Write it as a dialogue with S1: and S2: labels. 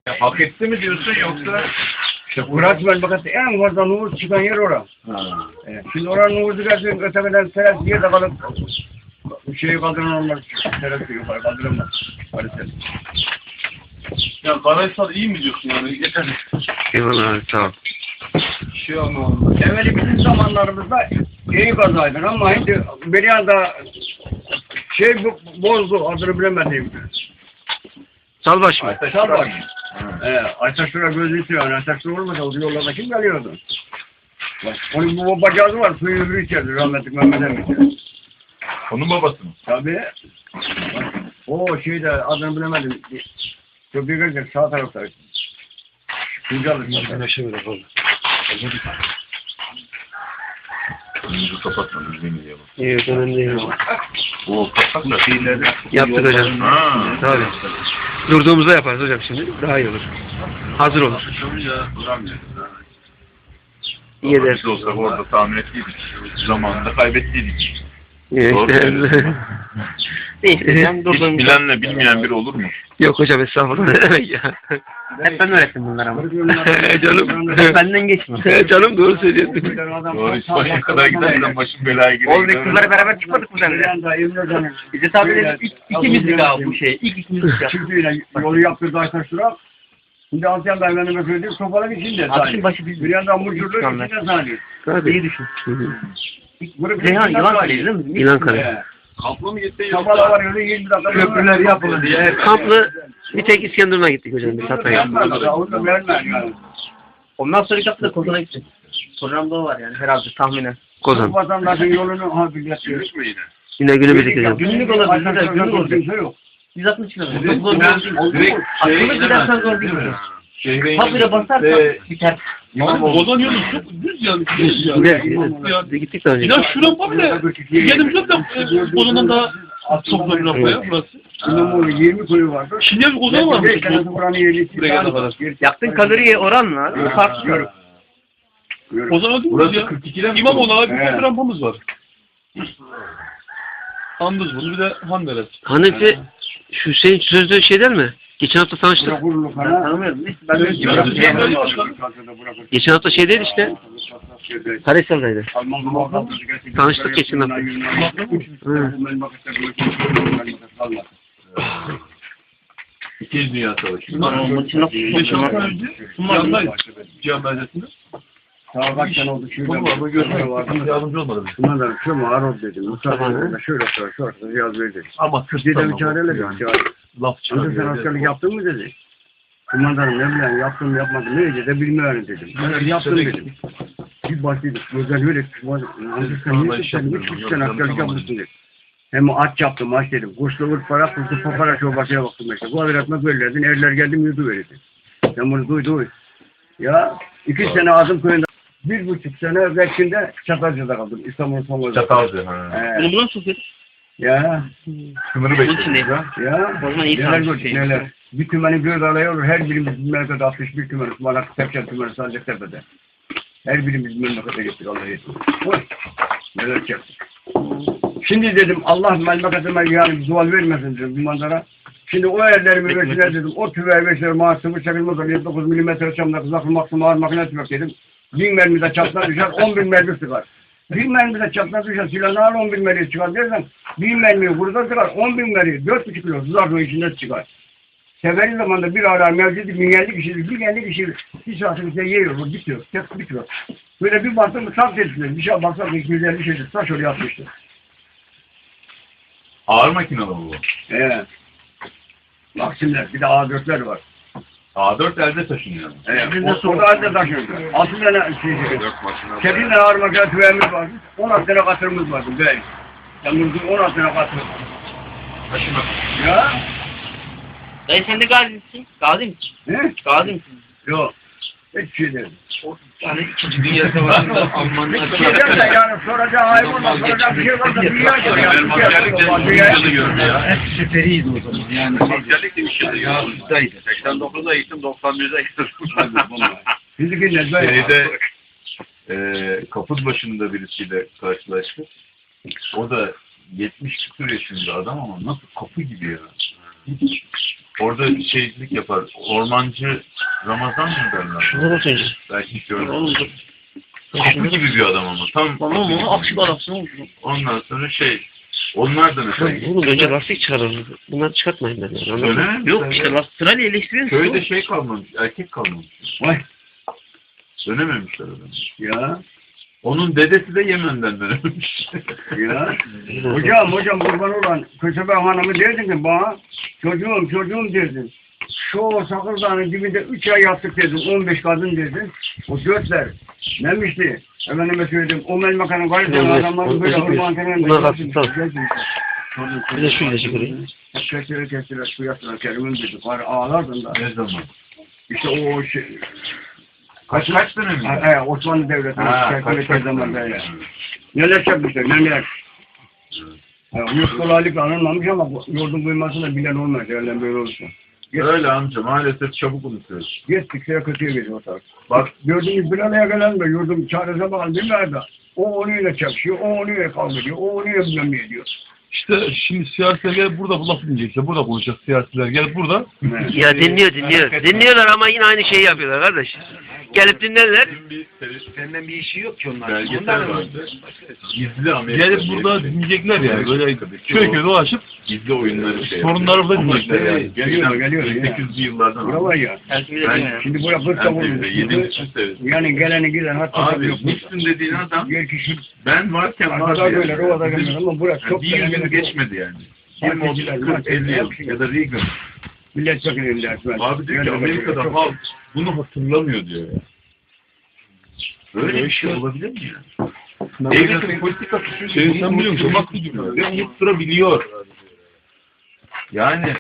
S1: Ya, hak etti mi diyorsun yoksa?
S2: İşte Fırat Melbakat'ta en fazla nüfus çıkan yer orası. Şimdi oranın nüfusu gelsin, öteden teras yerde kalıp şeyi kaldıran olmaz. Terası yukarı kaldıramaz. Maalesef.
S1: Ya Karahisar iyi mi diyorsun yani? Yeter.
S3: Eyvallah abi, sağ ol.
S1: Şey ama
S2: Evveli bizim zamanlarımızda iyi kazaydı ama şimdi bir anda şey bozdu, adını bilemedim.
S3: Salbaş mı?
S2: Salbaş. Aytaşlar'a gözü istiyor. Aytaşlar olmasa o yollarda kim geliyordu? Bak, onun bu babacağızı var, suyu öbürü içerdi rahmetli Mehmet Emin.
S1: onun babası mı?
S2: Tabii. O şeyde adını bilemedim. Köprüye gelirken sağ tarafta. Kuncalı.
S3: Güneşe böyle oldu.
S1: Önümüzü kapatmadınız yemin ediyorum.
S3: Evet, önemli değil.
S1: O kapatma şeyleri.
S3: Yaptık hocam.
S1: Ha.
S3: Tabii. Durduğumuzda yaparız hocam şimdi. Daha iyi olur. Hazır olur. İyi eder.
S1: Biz olsak orada tahmin ettiydik. Zamanında kaybettiydik.
S3: Evet.
S1: Doğru söylüyorsun.
S3: Neyse hocam
S1: Hiç
S3: durduğumuzda.
S1: bilenle bilmeyen biri olur mu?
S3: Yok hocam estağfurullah. Ne demek ya?
S4: Hep ben öğrettim bunları ama.
S3: Canım.
S4: Benden geçme.
S3: Canım doğru söylüyorsun.
S1: Doğru, hiç başa kadar gidersen başım belaya girer.
S4: Oğlum biz kızlarla beraber çıkmadık mı seninle? Bize tabi dedik ikimizdik abi bu şey. İlk ikimizdik ya.
S2: Çünkü yolu yaptırdı Aytaşlar'a. Şimdi Asyan Dayı'nın söylediğim sopaların içinde.
S4: Akşam başı biz.
S2: Bir yandan mucurluğun içinde zannediyor.
S3: Tabii.
S4: İyi düşün.
S3: Hı hı.
S4: Reyhan yılan kaleci değil mi?
S3: İlan kale.
S1: Kampla mı gitti
S2: Sabahla
S1: yoksa?
S2: var yolu 20 dakika.
S1: Köprüler yapıldı diye.
S3: Kamplı bir tek İskenderun'a gittik hocam. Bir satmaya.
S2: Onu vermez yani.
S4: Ondan sonraki hafta da Kozan'a gidecek. Programda o var yani herhalde tahminen.
S3: Kozan.
S2: Vatandaşın yolunu hafifletmiş.
S1: Yürüyüş mü yine?
S3: Yine günübürlük hocam.
S4: Günlük olabilir, günlük olacak. 160 kilometre. Çok zor değil. Aklımda gidersen zor değil mi? Habire basarsan biter.
S5: Ozan yolu çok düz yani.
S3: Gider. Gittik daha önce.
S5: Ya şuraya bile. Geldim şurada Ozan'dan daha çok zor bir yapmaya burası.
S2: İmamoğlu 20 koyu vardı.
S5: Şimdi bir Ozan var mı?
S2: 5 tanesi buranın yerlisi.
S5: Buraya kadar.
S4: Yaktığın kaloriye oranla farklı.
S5: Ozan öldü mü
S1: Burası
S5: ya?
S1: 42'den mi?
S5: İmamoğlu abi bir
S2: Evet.
S5: rampamız var. Andız bunu bir de Handeres.
S3: Hanefi şu senin sözlü şeyler mi? Geçen hafta tanıştık.
S2: Bırakırlık
S4: Ben
S2: ana.
S4: tanımıyorum. Neyse ben de
S3: Geçen hafta şeydeydi işte. Karahisar'daydı. Tanıştık geçen hafta. Hı.
S1: İkinci Dünya Savaşı.
S4: maçı nasıl
S5: 5-6 ay önce yanındayız. Cihan Belediyesi'nde.
S2: Sağ bak sen oldu.
S5: Baba ama görmek vardı. Yardımcı olmadı bize.
S2: Şuna da şu mağaroz dedim. Mustafa şöyle sonra şu arkada yaz verdi.
S5: Ama
S2: Türkiye'de
S5: Kürt'ten
S2: bir çareyle
S5: yani.
S2: dedi.
S5: Laf
S2: Önce sen
S5: çıkarıyor.
S2: askerlik yaptın mı dedi. Kumandanım ne bileyim yaptım yapmadım. Neyse de bilmiyorum dedim. Ben yaptım dedim. Bir başladık. Gözler böyle. Sen niye sen 3 sene askerlik yapmışsın dedi. Hem aç yaptım aç dedim. Kuşlu ırk para kuşlu papara çorbasıya baktım işte. Bu aviratma böyleydin. Erler geldim yudu verirdi. Sen bunu duydu. Ya 2 sene Azım köyünde 1,5 sene Bekçin'de Çatalca'da kaldım. İstanbul'un son gözü.
S1: Çatalcı.
S4: Bunu buradan sokuyoruz.
S2: Ya.
S1: Sınırı
S4: Bunun
S1: bekliyor.
S4: içindeyiz.
S2: Ya.
S4: O zaman iyi
S2: Neler
S4: tanış
S2: gördük
S4: şey.
S2: neler. Bir tümenin bir alaya olur. Her birimiz memlekette 61 tümen. Malak Tepçen tümeni Sancaktepe'de. Her birimiz memlekete gittik Allah'a yetmiş. Oy. Neler çektik. Şimdi dedim Allah memleketime yani zuval vermesin dedim bu manzara. Şimdi o yerlerimi versinler dedim. O tüveyi versinler maaşımı çekilmez. 79 milimetre çamda kızaklı maksimum ağır makinesi yok dedim. 1000 mermi de çaptan düşer 10.000 mermi çıkar. 1000 mermi de çaptan düşer silahını al 10.000 mermi çıkar dersen 1000 mermiyi buradan çıkar 10.000 mermi 4,5 kilo tuzaklı içinde çıkar. Seferi zamanında bir ara mevcudi 1050 kişilik 1050 kişilik bir saatin içinde yiyor bu bitiyor. Tek bitiyor. Böyle bir baktım mı saf ettiler. Bir şey baksak 250 şeydir. Taş oraya atmıştı.
S1: Ağır makinalı bu.
S2: Maksimler bir de A4'ler var.
S1: A4 elde taşınıyor.
S2: O da halde taşıyordu. 6 tane şey. 8 tane ağır makine tüveyimiz vardı. 16 tane katırımız vardı. Böyle. Yalnız 16 tane katır.
S1: Taşımak.
S2: Ya.
S4: Dayı sen de gazisin. Gazi misin?
S2: He?
S4: Gazi misin?
S2: Yok. Hiç şey değil.
S4: Yani 2. Dünya Savaşı'nda Almanlar...
S2: Yani soracağı hayvanla soracağı bir şey varsa dünya soruyor.
S1: Benim askerlikte 3 yılı gördü ya.
S4: Süperiydi o zaman. Yani
S1: Askerlikte 3 yılı gördü. 89'da gittim, 91'de gittim.
S2: Fiziki nezle.
S1: Şeyde kaput başında birisiyle karşılaştık. O da 70 küsur yaşında adam ama nasıl kapı gibi ya. Hiç Orada şeycilik yapar. Ormancı Ramazan mı derler?
S3: Şuradan atınca.
S1: Belki hiç görmedim.
S5: Oğlum dur.
S1: Kapı gibi bir adam ama. Tam
S5: Tamam mı? Akşam adamsın oğlum.
S1: ondan sonra onlar da mesela.
S3: Oğlum önce lastik çıkaralım. Bunları çıkartmayın ben. Anladın mı?
S1: Öyle mi?
S4: Yok işte sırayla eleştiriyorsun.
S1: Köyde kalmamış. Erkek kalmamış.
S2: Vay
S1: Dönememişler adamı.
S2: ya.
S1: Onun dedesi de Yemen'den dönememiş.
S2: Ya. Hocam kurban olan Kösebe Hanım'ı derdin ki bana çocuğum derdin. Şu Sakırdağ'ın dibinde 3 ay yattık dedim. 15 kadın dedim. O götler nemişti? Efendime söyledim. O melmakanın karşısında adamların böyle hırman kenarında.
S3: Bunlar hafiften. Bir de şu ilacı kırayım.
S2: Kestiler, su yaptılar. Kerim'in dedi. Ağlardın da.
S1: Ne zaman?
S2: İşte o şey.
S1: Kaç dönem?
S2: Osmanlı Devleti'nin
S1: Kaç
S2: çerçeve zamanında
S1: dönem?
S2: ya. Neler yapmışlar, neler. Yüz kolaylıkla anılmamış ama yurdun duymasını bilen olmaz. Öyle böyle olursa.
S1: Öyle amca maalesef çabuk unutuyoruz.
S2: Gittikçe kötüye gidiyor ortalık. Bak gördüğünüz bir araya gelen de yurdum çaresize bakın bilmez de. O onuyla çakışıyor, o onuyla kavga ediyor, o onuyla bilmem ne ediyor.
S5: İşte şimdi siyasiler gel burada bu laf dinleyecek. İşte burada konuşacak siyasiler. Gel burada.
S3: Ya dinliyor. Dinliyorlar ama yine aynı şeyi yapıyorlar kardeş. Gelip dinlerler.
S1: Senden bir işi yok ki onlar. Belgesel vardı. Gizli Amerika.
S5: Gelip burada dinleyecekler yani. Böyle köy köy dolaşıp
S1: gizli oyunları
S5: sorunları burada dinleyecekler yani.
S2: Geliyor ya.
S1: 800'lü yıllardan.
S2: Bura var ya. Şimdi buraya fırça vurmuş. Yani geleni giden hatta
S1: Abi
S2: yok.
S1: Müslüm dediğin adam
S2: Bir kişi
S1: ben varken var
S2: arkada
S1: ya.
S2: böyle rovada gelmez ama burası çok
S1: Bir yüzyıl geçmedi yani. 20 30 40 50 yıl ya da Reagan.
S2: milletvekili dersler.
S1: Abi diyor ki Amerika'da halk bunu hatırlamıyor diyor ya. Böyle bir şey olabilir mi ya? Devletin politikası
S5: Sen biliyor musun? Bak
S1: ve unutturabiliyor. Yani